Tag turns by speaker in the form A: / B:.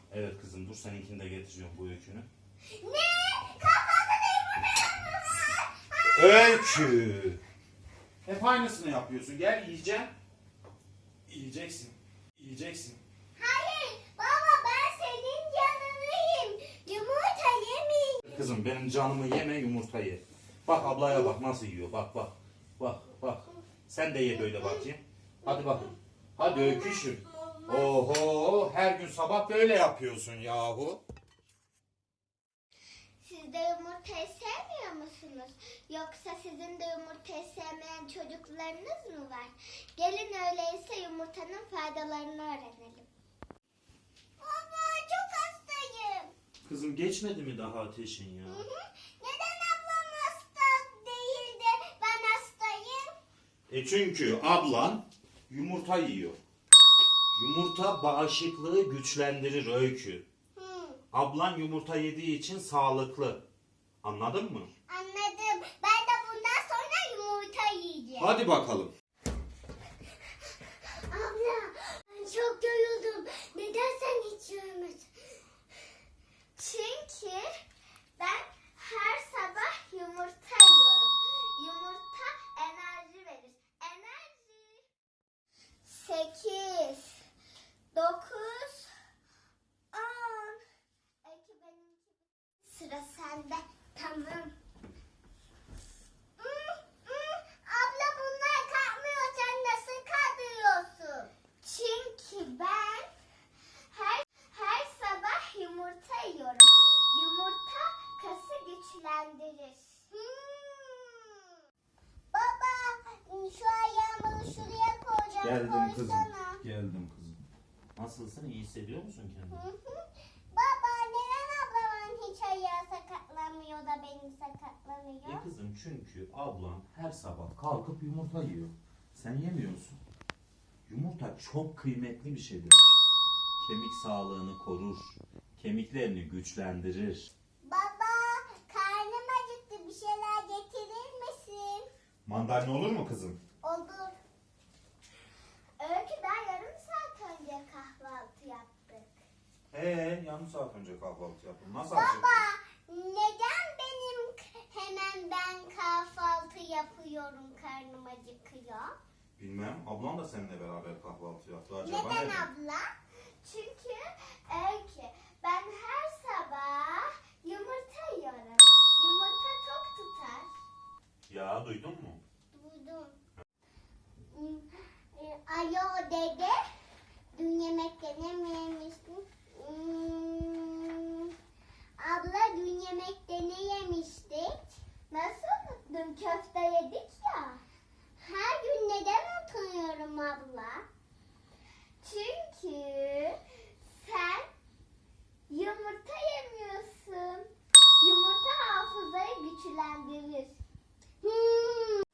A: Evet kızım, dur seninkini de getiriyorum, bu öykünü.
B: Ne? Kahvaltıda yumurta yapıyorsun.
A: Öykü! Hep aynısını yapıyorsun. Gel yiyeceğim. Yiyeceksin. Yiyeceksin.
B: Hayır baba, ben senin canını yiyeyim. Yumurta yemeyeyim.
A: Kızım benim canımı yeme, yumurtayı. Bak ablaya bak nasıl yiyor. Bak bak. Bak bak. Sen de ye böyle bakayım. Hadi bakın. Hadi öyküşüm. Oho, her gün sabah böyle yapıyorsun yahu.
B: Siz de yumurtayı sevmiyor musunuz? Yoksa sizin de yumurtayı sevmeyen çocuklarınız mı var? Gelin öyleyse yumurtanın faydalarını öğrenelim. Baba, çok hastayım.
A: Kızım geçmedi mi daha ateşin ya?
B: Neden ablam hasta değil de ben hastayım?
A: Çünkü ablan yumurta yiyor. Yumurta bağışıklığı güçlendirir Öykü. Ablan yumurta yediği için sağlıklı. Anladın mı?
B: Anladım. Ben de bundan sonra yumurta yiyeceğim.
A: Hadi bakalım.
B: Abla, ben çok yoruldum. Neden sen hiç yemedin? Çünkü ben her sabah yumurta yiyorum. Yumurta enerji verir. Enerji. 8, 9, 10. Sıra sende. Tamam. Abla, bunlar kalkmıyor. Sen nasıl kaldırıyorsun? Çünkü ben her sabah yumurta yiyorum. Yumurta kası güçlendirir. Baba, şu ayağımı şuraya koyacağım.
A: Geldim kızım.
B: Koysana.
A: Geldim kızım. Nasılsın? İyi hissediyor musun kendini?
B: Baba, neden ablamın hiç ayağı sakatlanmıyor da benim sakatlanıyor?
A: Kızım çünkü ablan her sabah kalkıp yumurta yiyor. Sen yemiyorsun. Yumurta çok kıymetli bir şeydir. Kemik sağlığını korur. Kemiklerini güçlendirir.
B: Baba, karnım acıktı. Bir şeyler getirir misin?
A: Mandalina olur mu kızım?
B: Olur. Öykü, daha yarım saat önce kahvaltı yaptık.
A: Yarım saat önce kahvaltı yaptım. Nasıl
B: Baba, neden hemen ben kahvaltı yapıyorum, karnım acıkıyor?
A: Bilmem. Ablam da seninle beraber kahvaltı yaptı. Acaba
B: Neden abla? Çünkü Öykü, ben her sabah yumurta yiyorum. Yumurta tok tutar.
A: Ya duydun mu?
B: Duydum. Alo dede, dün yemekte ne mi yemiştin? Abla, dün yemekte ne yemiştik? Nasıl? Dün köfte yedik ya. Her gün neden utanıyorum abla? Çünkü sen yumurta yemiyorsun. Yumurta hafızayı güçlendirir.